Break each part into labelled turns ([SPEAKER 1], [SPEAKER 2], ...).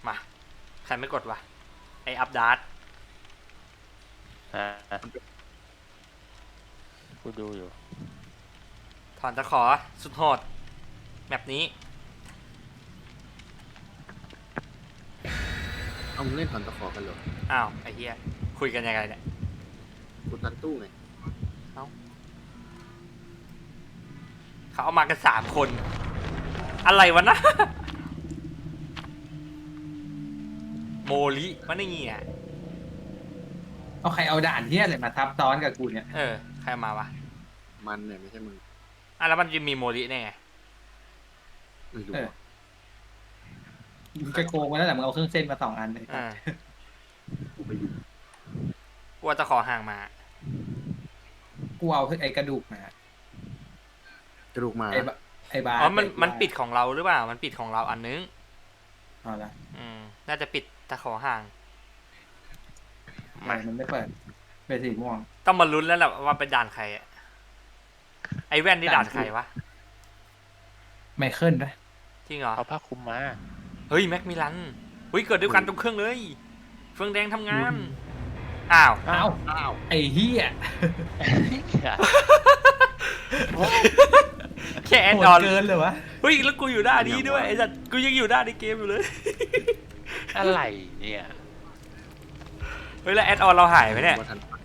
[SPEAKER 1] มาใครไม่กดวะไออัพดาร์ต
[SPEAKER 2] กูดูอยู่
[SPEAKER 1] ถอนตะขอสุดโหดแบบนี้
[SPEAKER 3] เอามึงเล่นถอนตะขอกันเหรอ
[SPEAKER 1] อ้าวไอ้เหี้ยคุยกันยังไงเนี่ย
[SPEAKER 3] กูตันตู้ไง
[SPEAKER 1] เขาเอามากัน3 คนอะไรวะนะ โมลิมันไม่งี้อ่ะ
[SPEAKER 4] เอาใครเอาด่านเที่ยอะไรมาทับซ้อนกับกูเนี่ย
[SPEAKER 1] ใครมาวะ
[SPEAKER 3] มันเนี่ยไม่ใช่มึง
[SPEAKER 1] แล้วมันจะมีโมลิได้ไง
[SPEAKER 3] ไม่รู้
[SPEAKER 4] มึงจะโกงมาแล้วแหละมึงเอาเครื่องเส้นมา2 อันเลย
[SPEAKER 3] กูไปอยู่
[SPEAKER 1] กูจะขอห่างมา
[SPEAKER 4] กูเอาไอ้กระดูกมาก
[SPEAKER 3] ระดูกมา
[SPEAKER 4] ไอ้บา
[SPEAKER 1] อ๋อมันปิดของเราหรือเปล่ามันปิดของเราอันนึง
[SPEAKER 4] เอาละ
[SPEAKER 1] น่าจะปิดตะขอห่าง
[SPEAKER 4] มันไม่เปิดเป็นสีม่วง
[SPEAKER 1] ต้องมาลุ้นแล้วแหละว่าเป็นด่านใครอะไอแว่นนี่ด่านใครวะ
[SPEAKER 4] ไมเคิลนะ
[SPEAKER 1] จริงเหรอ
[SPEAKER 2] เอาผ้าคลุมมา
[SPEAKER 1] เฮ้ยแม็กมิลันเฮ้ยเกิดด้วยกันตรงเครื่องเลยเฟืองแดงทำงานอ้าว
[SPEAKER 4] ไอ้เหี้ย
[SPEAKER 1] แค่แอดออน
[SPEAKER 4] เกินเลยวะ
[SPEAKER 1] เฮ้ยแล้วกูอยู่ด้านนี้ด้วยไอ้สัตว์กูยังอยู่ด้านในเกมอยู่เลย
[SPEAKER 2] อะไรเนี่ย
[SPEAKER 1] เฮ้ยแล้วแอดออนเราหายไปเนี่ย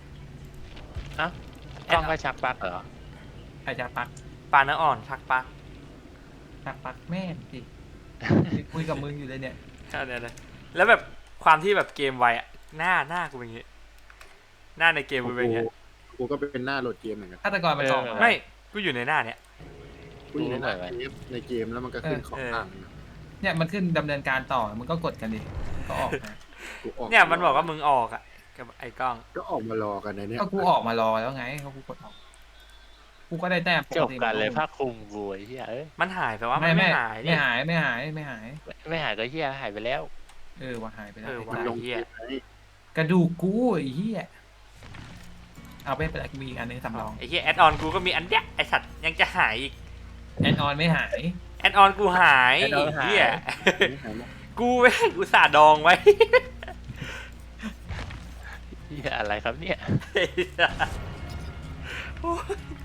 [SPEAKER 2] ต้องไปชักปลั๊กเหรอ
[SPEAKER 4] ใครจะปัก
[SPEAKER 1] ปลาเนื้ออ่อนชักปลั๊ก
[SPEAKER 4] แม่สิคุยกับมึงอยู่เลยเนี่ย
[SPEAKER 1] เนี่ยแล้วแบบความที่แบบเกมไวอะหน้ากูเป็นอย่างงี้หน้าในเกมกูเป็นอย่างงี้
[SPEAKER 3] กูก็เป็นหน้าโหลดเกมเหมือนกัน
[SPEAKER 4] ฆาตกรมาต่อ
[SPEAKER 1] ไม่กูอยู่ในหน้าเนี้ย
[SPEAKER 3] กูอยู่ในหน้าในเกมแล้วมันก็ขึ้นของต่าง
[SPEAKER 4] เนี่ยมันขึ้นดำเนินการต่อมึงก็กดกันดิก็ออก
[SPEAKER 1] เนี่ยมันบอกว่ามึงออกอ่ะกับไอ้กล้อง
[SPEAKER 3] ก็ออกมารอกันในเนี้ย
[SPEAKER 4] ก็กูออกมารอแล้วไงเขากูกดออกกูก็ได้แต้ม
[SPEAKER 2] จบกันเลยผ้าคลุมบวยเฮีย
[SPEAKER 1] มันหายไปว่าไม่หาย
[SPEAKER 4] ไม่หาย
[SPEAKER 2] ก็เฮียหายไปแล้ว
[SPEAKER 4] ว่าหายไปแล้ว
[SPEAKER 1] มันลงเฮีย
[SPEAKER 4] กระดูกกูไอ้เฮียเอาไปเป็นมีอันนึงสำรอง
[SPEAKER 1] ไอ้เฮียแอดออนกูก็มีอันเนี้ยไอสัตว์ยังจะหายอีก
[SPEAKER 4] แอดออนไม่หาย
[SPEAKER 1] แอดออนกูหายเฮียกูไม่กูสาดองไว้
[SPEAKER 2] เฮียอะไรครับเนี่ย